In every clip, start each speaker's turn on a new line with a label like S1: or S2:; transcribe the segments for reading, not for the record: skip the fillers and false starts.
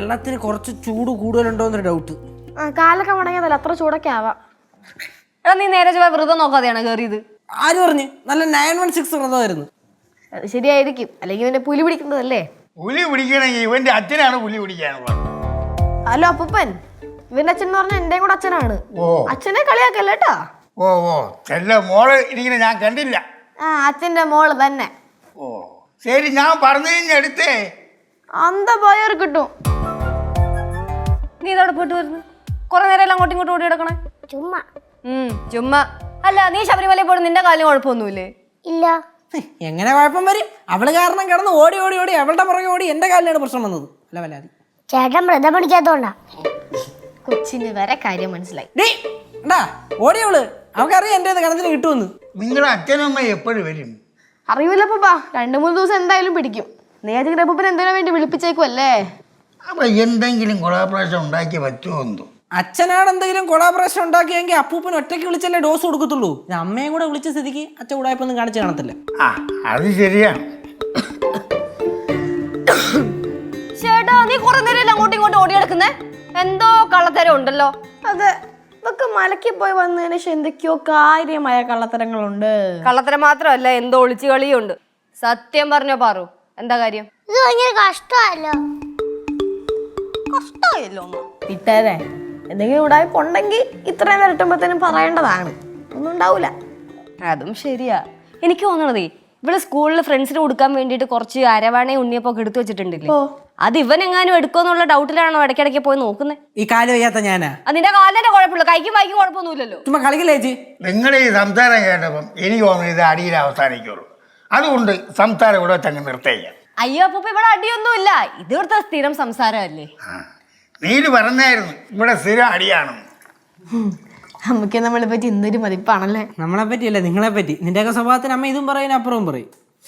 S1: വെള്ളത്തിന് കുറച്ച് ചൂട് കൂടുതലുണ്ടോ എന്നൊരു ഡൗട്ട്.
S2: കാലൊക്കെ മുടങ്ങിയതല്ല, അത്ര ചൂടൊക്കെ ആവാം.
S3: എടാ നീ നേരെ ചൊവ്വ വ്രതം നോക്കാതെയാണ് കയറിയത്?
S1: ആര് പറഞ്ഞു? നല്ല 916 വ്രതമായിരുന്നു.
S2: അത് ശരിയായിരിക്കും, അല്ലെങ്കിൽ ഇവന്റെ പുലി പിടിക്കുന്നതല്ലേ.
S4: പുലി പിടിക്കണമെങ്കിൽ ഇവന്റെ അച്ഛനാണ് പുലി പിടിക്കാനുള്ളത്.
S2: ഹലോ അപ്പൂപ്പൻ, ഇവന്റെ അച്ഛൻ എന്ന് പറഞ്ഞാൽ എന്റെയും കൂടെ അച്ഛനാണ്.
S4: ഓ
S2: അച്ഛനെ കളിയാക്കല്ലേ കേട്ടാ.
S4: ഓ ഓ ചെല്ല മോള് ഇരിക്കുന്ന ഞാൻ കണ്ടില്ല.
S2: അച്ഛന്റെ മോള് തന്നെ.
S4: ഓ ശരി, ഞാൻ പറഞ്ഞു എടുത്തേ.
S2: അന്ത പോയവർ കിട്ടും.
S3: നീ ഇതോടെ പോയിട്ട് വരുന്നു? കുറെ നേരം എല്ലാം അങ്ങോട്ടും ഇങ്ങോട്ടും ഓടി കിടക്കണേ.
S5: ചുമ്മാ.
S3: ചുമ്മാ അല്ല, നീ ശബരിമലയിൽ പോയിട്ട് നിന്റെ കാലിന് കുഴപ്പമൊന്നുമില്ലേ?
S5: ഇല്ല.
S1: എങ്ങനെ കുഴപ്പം വരും? അവള് കാരണം കിടന്ന് ഓടി ഓടി ഓടി അവളുടെ പുറകെ ഓടി എന്റെ കാലിലാണ് പ്രശ്നം വന്നത്. അല്ല വല്ലാതി
S5: ചേട്ടൻ വ്രതം പിടിക്കാത്തോണ്ടാ.
S2: കൊച്ചിന് വരെ കാര്യം മനസ്സിലായി.
S1: ഓടിയവള്, അവൾക്കറിയാം എന്റെ കണത്തിന് കിട്ടുമെന്ന്.
S4: നിങ്ങളുടെ അച്ഛനും അമ്മ എപ്പോഴും വരും?
S2: അറിയില്ല പപ്പാ, 2-3 ദിവസം എന്തായാലും പിടിക്കും. നേരത്തെ അപ്പൂപ്പൻ എന്തിനാ വേണ്ടി വിളിപ്പിച്ചേക്കുമല്ലേ.
S4: അപ്പൊ എന്തെങ്കിലും കൊളാപ്രാശം ഉണ്ടാക്കി പറ്റുമോ എന്തോ?
S1: അച്ഛനാണ് എന്തെങ്കിലും കൊളാബറേഷൻ ഉണ്ടാക്കിയെങ്കിൽ അപ്പൂപ്പൻ ഒറ്റയ്ക്ക് വിളിച്ചല്ലേ ഡോസ് കൊടുക്കത്തുള്ളൂ. അമ്മയും കൂടെ വിളിച്ച സ്ഥിതിക്ക് അച്ഛൻ ഉടായ്പൊന്നും കാണിച്ച് കാണത്തില്ല.
S4: ആ അത് ശരിയാണ്.
S3: ചേട്ടാ നീ കുറെ നേരം എല്ലാം അങ്ങോട്ടും ഇങ്ങോട്ടും ഓടി കിടക്കുന്നേ, എന്തോ കള്ളത്തരം ഉണ്ടല്ലോ.
S2: അതെ, ഇതൊക്കെ മലക്കി പോയി വന്നതിന് ശേഷം എന്തൊക്കെയോ കാര്യമായ കള്ളത്തരങ്ങളുണ്ട്.
S3: കള്ളത്തരം മാത്രമല്ല, എന്തോ ഒളിച്ചു കളിയും ഉണ്ട്. സത്യം പറഞ്ഞോ പാറു, എന്താ കാര്യം?
S5: ഇത് ഭയങ്കര കഷ്ടമല്ലോ.
S2: കഷ്ടമായല്ലോ വിട്ടേരെ. എന്തെങ്കിലും ഉടായ്പ ഉണ്ടെങ്കിൽ ഇത്രയും വരട്ടുമ്പോഴത്തേനും പറയേണ്ടതാണ്. ഒന്നും ഉണ്ടാവൂല.
S3: അതും ശരിയാ. എനിക്ക് തോന്നണതേ ഇവിടെ സ്കൂളിൽ ഫ്രണ്ട്സിന് കൊടുക്കാൻ വേണ്ടിയിട്ട് കുറച്ച് അരവാണയും ഉണ്ണിയപ്പൊക്കെ എടുത്തു വെച്ചിട്ടുണ്ടില്ലേ, അത് ഇവൻ എങ്ങാനും എടുക്കുമെന്നുള്ള ഡൗട്ടിലാണോ ഇടയ്ക്കിടയ്ക്ക് പോയി നോക്കുന്നത്?
S1: ഈ കാല് വയ്യാത്ത ഞാനാ.
S3: അതിന്റെ കാലിന്റെ കുഴപ്പമില്ല, കൈക്കും വായിക്കും കുഴപ്പമൊന്നുമില്ലല്ലോ.
S1: ചുമ്മാ കളിക്കില്ലേ ചേച്ചി?
S4: നിങ്ങളുടെ ഈ സംസാരം കേട്ടപ്പം എനിക്ക് തോന്നുന്നു ഇത് അടിയിൽ അവസാനിക്കുള്ളൂ. അതുകൊണ്ട് സംസാരം ഇവിടെ തന്നെ നിർത്തേക്കാം.
S3: അയ്യോ അപ്പൊ ഇവിടെ അടിയൊന്നുമില്ല, ഇത് ഇവിടുത്തെ സ്ഥിരം സംസാരമല്ലേ.
S4: നീല് പറഞ്ഞായിരുന്നു ഇവിടെ സ്ഥിരം അടിയാണെന്ന്.
S2: നമുക്ക് നമ്മളെ പറ്റി എന്തൊരു മതിപ്പാണല്ലേ.
S1: നമ്മളെ പറ്റിയല്ല, നിങ്ങളെ പറ്റി. നിന്റെയൊക്കെ സ്വഭാവത്തിന് അമ്മ ഇതും പറയും അപ്പുറവും പറയും.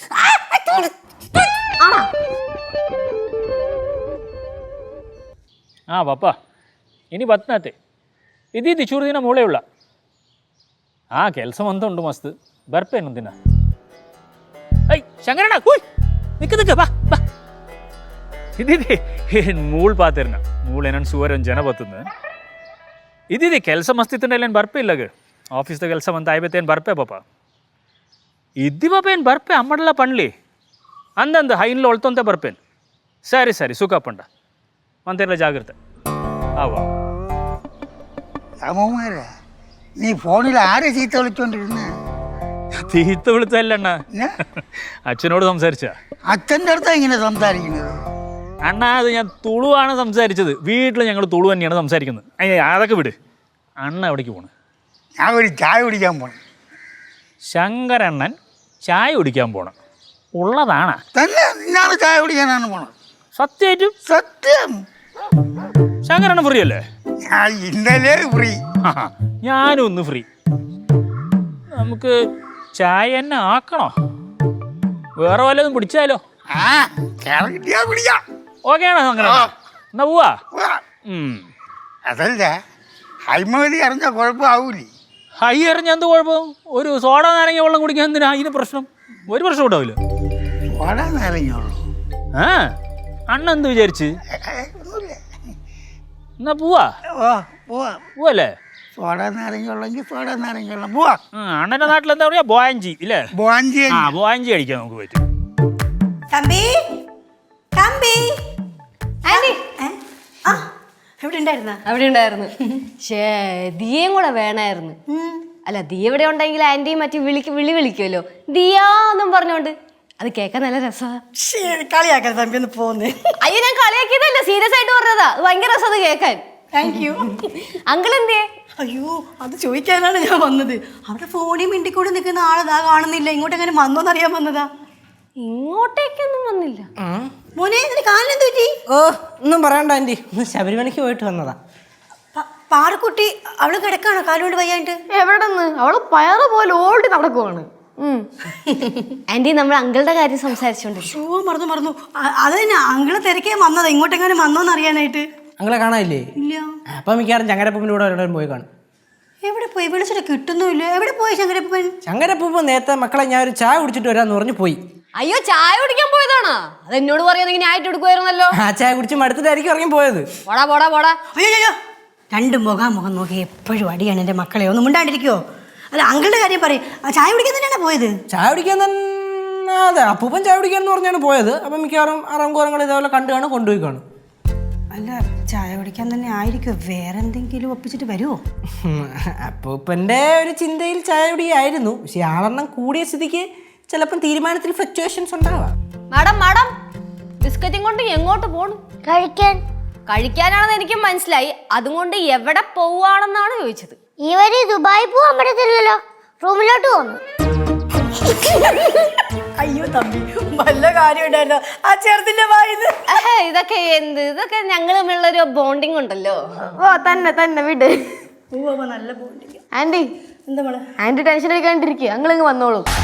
S6: ಪಪ್ಪ ಇನಿ ಬತ್ನತೆ ಇದ್ದಿದ್ದು ಚೂರು ದಿನ ಮೂಳೆ ಉಳ್ಳ ಕೆಲಸ ಅಂತ ಉಂಟು ಮಸ್ತ್ ಬರ್ಪೇನು ದಿನ. ಐ ಶಂಕರಣ್ಣ ಕೂಯ್ ನಿಕ್ಕ ಬಾ ಬಾ ಇದ್ದಿದ್ದಿ ಮೂಳು ಪಾತಿರ್ನ ಮೂಳೇನನ್ ಸುವರ್ ಜನ ಬರ್ತದ ಇದ್ದಿದ್ದಿ ಕೆಲಸ ಮಸ್ತ್ ಇತ್ತಂದ್ರೆ ಏನು ಬರ್ಪೆ ಇಲ್ಲಗ ಆಫೀಸ್ದ ಕೆಲಸ ಅಂತ ಆಯ್ಬೇತೇನು ಬರ್ಪೆ ಪಾಪ ಇದ್ದಿ ಪಾಪ ಏನು ಬರ್ಪೆ ಅಮ್ಮಡಲ್ಲ ಪಣ್ಲಿ ಅಂದಂದು ಹೈನ್ಲ ಒಳ್ತಂತೆ ಬರ್ಪೇನು. ಸರಿ ಸರಿ ಸುಖಪ್ಪಂಡ ಅಂತೆಲ್ಲ ಜಾಗ್ರತೆ ആവാ.
S4: രാമകുമാരാ, നീ ഫോണിൽ ആരെ ചീത്ത വിളിച്ചോണ്ടിരുന്ന?
S6: തീത്ത വിളിച്ചല്ല അച്ഛനോട് സംസാരിച്ച.
S4: അച്ഛൻ്റെ അടുത്താ ഇങ്ങനെ സംസാരിക്കുന്നത്?
S6: അണ്ണാ അത് ഞാൻ തുളുവാണ് സംസാരിച്ചത്. വീട്ടിൽ ഞങ്ങൾ തുളു തന്നെയാണ് സംസാരിക്കുന്നത്. അതൊക്കെ വിട്. അണ്ണ എവിടേക്ക് പോണ്?
S4: ഞാൻ ഒരു ചായ കുടിക്കാൻ പോണം.
S6: ശങ്കരണ്ണൻ ചായ കുടിക്കാൻ പോണം ഉള്ളതാണ്
S4: തന്നെ? നിന്നാണ് ചായ കുടിക്കാനാണ് പോണത്?
S6: സത്യമായിട്ടും?
S4: സത്യം.
S6: ശങ്കരണ്ണൻ ഫ്രീ അല്ലേ?
S4: ഞാൻ ഇന്നലെ ഫ്രീ.
S6: ഞാനും ഒന്ന് ഫ്രീ. നമുക്ക് ചായ തന്നെ ആക്കണോ? വേറെ വല്ലതും പിടിച്ചാലോ? ഓക്കെ ആണോ ശങ്കരണ്ണ? എന്നാ പോവാ.
S4: അതല്ല, ഹൈമതി അറിഞ്ഞ കുഴപ്പമാവൂലേ?
S6: ഹൈ എറിഞ്ഞ എന്ത് കുഴപ്പം? ഒരു സോഡ നാരങ്ങ വെള്ളം കുടിക്കാൻ എന്തിനാ അതിന് പ്രശ്നം? ഒരു പ്രശ്നം ഉണ്ടാവില്ല.
S4: സോഡ നാരങ്ങയുള്ളൂ.
S6: ആ അണ്ണ എന്ത് വിചാരിച്ച്? എന്നാ പോവാ. പോവല്ലേ?
S4: സോഡ നാരങ്ങയുള്ളെങ്കിൽ സോഡ നാരങ്ങയുള്ള പോവാ.
S6: അണ്ണന്റെ നാട്ടിൽ എന്താ പറയാ? ബോയഞ്ചി ഇല്ലേ?
S4: ബോയഞ്ചി.
S6: ആ ബോയഞ്ചി കഴിക്കാൻ നമുക്ക് പറ്റും.
S3: അവിടെ ഉണ്ടായിരുന്നു. ദിയയും കൂടെ വേണമായിരുന്നു. അല്ല ദിയ ഇവിടെ ഉണ്ടെങ്കിൽ ആന്റിയും മറ്റു വിളി വിളിക്കുമല്ലോ ദിയാന്നും പറഞ്ഞോണ്ട്. അത് കേൾക്കാൻ നല്ല രസമാണ്.
S7: കളിയാക്കാൻ തമ്പി ഒന്ന് പോന്നേ.
S3: അയ്യോ ഞാൻ കളിയാക്കിയതല്ല, സീരിയസ് ആയിട്ട് പറഞ്ഞതാ. അത് ഭയങ്കര രസം അത് കേൾക്കാൻ.
S7: Thank you.
S3: അങ്കിൾ എന്തേ?
S7: അയ്യോ അത് ചോദിക്കാനാണ് ഞാൻ വന്നത്. അവിടെ ഫോണിൽ മിണ്ടിക്കൂടി നിൽക്കുന്ന ആളതാ കാണുന്നില്ല. ഇങ്ങോട്ട് എങ്ങനെ വന്നോന്നറിയാൻ വന്നതാ.
S3: ഇങ്ങോട്ടേക്കൊന്നും വന്നില്ല.
S7: മോനെ ഇതിന് കാലിനെന്ത് പറ്റി?
S1: ഓ ഒന്നും പറയണ്ട ആൻറ്റി, ഒന്ന് ശബരിമലയ്ക്ക് പോയിട്ട് വന്നതാ.
S7: പാറക്കുട്ടി അവള് കിടക്കാണോ കാലുകൊണ്ട് വയ്യാണ്ട്?
S2: എവിടെന്ന്? അവള് പയറ് പോലെ ഓടി നടക്കുവാണ്.
S3: ആന്റി നമ്മൾ അങ്കിളുടെ കാര്യം സംസാരിച്ചോണ്ട്.
S7: മറന്നു. അത് തന്നെ അങ്കിള് തിരക്കേ വന്നതാ. ഇങ്ങോട്ടെങ്ങനെ വന്നോന്ന് അറിയാനായിട്ട്.
S1: അങ്ങളെ കാണാനില്ലേ?
S7: ഇല്ല.
S1: അപ്പം മിക്കവാറും ചങ്ങരപ്പൂപ്പിൻ്റെ കൂടെ എവിടെയും പോയി കാണും.
S7: എവിടെ പോയി? വിളിച്ചിട്ട് കിട്ടുന്നുമില്ല. എവിടെ പോയി ശങ്കരപ്പൻ?
S1: ചങ്ങരപ്പൂപ്പ് നേരത്തെ മക്കളെ ഞാൻ ഒരു ചായ കുടിച്ചിട്ട് വരാമെന്ന് പറഞ്ഞു പോയി.
S3: അയ്യോ ചായ കുടിക്കാൻ പോയതാണോ? അത് എന്നോട് പറയാന്നെങ്കിൽ ആയിട്ട് എടുക്കുമായിരുന്നല്ലോ.
S1: ആ ചായ കുടിച്ച് മടുത്തിട്ടായിരിക്കും ഇറങ്ങി പോയത്.
S3: പോടാ പോടാ പോടാ.
S7: അയ്യോ രണ്ട് മുഖം നോക്കി എപ്പോഴും അടിയാണ് എൻ്റെ മക്കളെ. ഒന്നും മിണ്ടാണ്ടിരിക്കുവോ? അല്ല അങ്കിളുടെ കാര്യം പറയും. ആ ചായ കുടിക്കാൻ തന്നെയാണ് പോയത്.
S1: ചായ കുടിക്കാൻ തന്നെ അതെ അപ്പൂപ്പൻ ചായ കുടിക്കാൻ എന്ന് പറഞ്ഞാണ് പോയത്. അപ്പം മിക്കവാറും അറങ്കോറങ്ങൾ ഇതേപോലെ കണ്ടു കൊണ്ടുപോയി കാണും.
S7: അല്ല ചായ കുടിക്കാൻ തന്നെ ആയിരിക്കും. വേറെ എന്തെങ്കിലും ഒപ്പിച്ചിട്ട് വരുമോ?
S1: അപ്പൂപ്പൻ്റെ ഒരു ചിന്തയിൽ ചായ കുടിയായിരുന്നു. പക്ഷെ ആളെണ്ണം കൂടിയ സ്ഥിതിക്ക് ചിലപ്പം തീരുമാനത്തിൽ ഫ്ലക്ച്വേഷൻസ് ഉണ്ടാവാം.
S3: മാഡം ബിസ്ക്കറ്റും കൊണ്ട് എങ്ങോട്ട് പോണു? കഴിക്കാനാണെന്ന് എനിക്ക് മനസ്സിലായി. അതുകൊണ്ട് എവിടെ പോവാണെന്നാണ് ചോദിച്ചത്.
S5: ഇവര് ദുബായി പോവാൻ പറ്റത്തില്ലല്ലോ, റൂമിലോട്ട് പോന്നു.
S7: അയ്യോ തമ്പി വല്ല കാര്യം ഉണ്ടായിരുന്നോ ആ ചെറുതിന്റെ വായത്?
S3: ഇതൊക്കെ എന്ത്? ഇതൊക്കെ ഞങ്ങൾ തമ്മിലുള്ളൊരു ബോണ്ടിങ് ഉണ്ടല്ലോ.
S2: ഓ തന്നെ വിട്.
S7: നല്ല ബോണ്ടിങ്.
S2: ആന്റി
S7: എന്താ മോളെ?
S2: ആന്റി ടെൻഷൻ എടുക്കാണ്ടിരിക്കുക, ഞങ്ങളിങ്ങ് വന്നോളൂ.